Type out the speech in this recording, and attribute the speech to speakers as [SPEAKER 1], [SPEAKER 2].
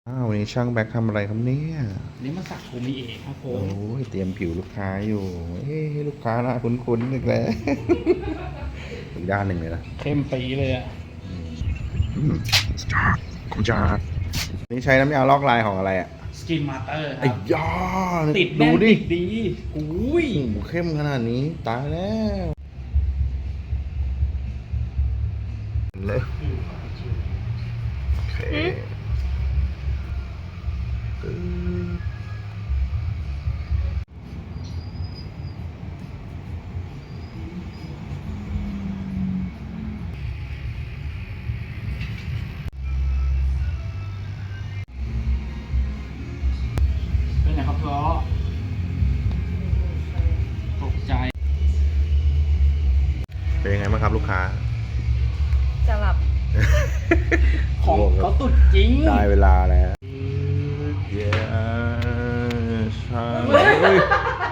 [SPEAKER 1] วันนี้ช่างแบ็คทำอะไรครับเนี่ย
[SPEAKER 2] นี่มาสักโคมิเอะครับผ
[SPEAKER 1] โอ้
[SPEAKER 2] ม
[SPEAKER 1] ยเตรียมผิวลูกค้าอยู่ลูกค้าน่าคุ้นๆอีกแล้ว อีกด้านหนึ่งเลยนะ
[SPEAKER 2] เข้มปีเลยอะ
[SPEAKER 1] คุณจาร์นี่ใช้น้ำยาลอกลายของอะไรอ่ะ
[SPEAKER 2] สกินมาเตอร์ค
[SPEAKER 1] ไอ้
[SPEAKER 2] รับ
[SPEAKER 1] ยา
[SPEAKER 2] ติด
[SPEAKER 1] ดู
[SPEAKER 2] แน่น
[SPEAKER 1] ดิ
[SPEAKER 2] ติดดีอุ้ย
[SPEAKER 1] โอ้โหเข้มขนาดนี้ตายแล้วเลยโอเค
[SPEAKER 2] เป็นไงครับล้อตกใจ
[SPEAKER 1] เป็นยังไงบ้างครับลูกค้า
[SPEAKER 3] จะหลับ
[SPEAKER 2] ของเขาตุดจริง
[SPEAKER 1] ได้เวลาแล้ว เย้ใช่